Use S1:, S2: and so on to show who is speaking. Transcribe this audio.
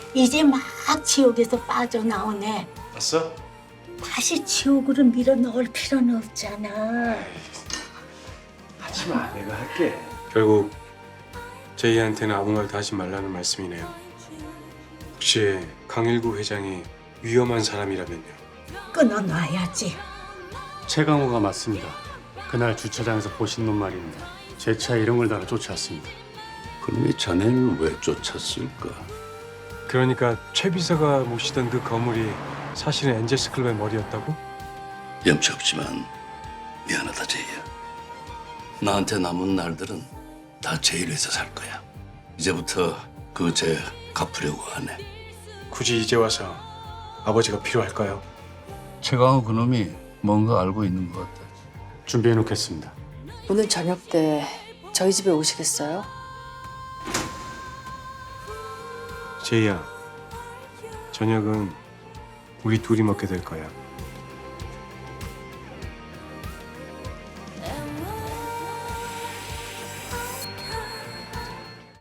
S1: 이제 막 지옥에서 빠져나오네.
S2: 봤어?
S1: 다시 지옥으로 밀어 넣을 필요는 없잖아.
S2: 하지마, 내가 할게.
S3: 결국 제이한테는 아무 말도 하지 말라는 말씀이네요. 혹시 강일구 회장이 위험한 사람이라면요?
S1: 끊어놔야지.
S4: 최강호가 맞습니다. 그날 주차장에서 보신 놈 말입니다. 제 차에 이런 걸 달아 쫓아왔습니다.
S5: 그놈이 자네를 왜 쫓았을까?
S3: 그러니까 최 비서가 모시던 그 거물이 사실은 엔젤스 클럽의 머리였다고?
S5: 염치 없지만 미안하다 제이야. 나한테 남은 날들은 다 제일 위해서 살 거야. 이제부터 그 죄 갚으려고 하네.
S3: 굳이 이제 와서 아버지가 필요할까요?
S5: 최강호 그놈이 뭔가 알고 있는 것 같다.
S4: 준비해 놓겠습니다.
S6: 오늘 저녁 때 저희 집에 오시겠어요?
S3: 제이야, 저녁은 우리 둘이 먹게 될 거야.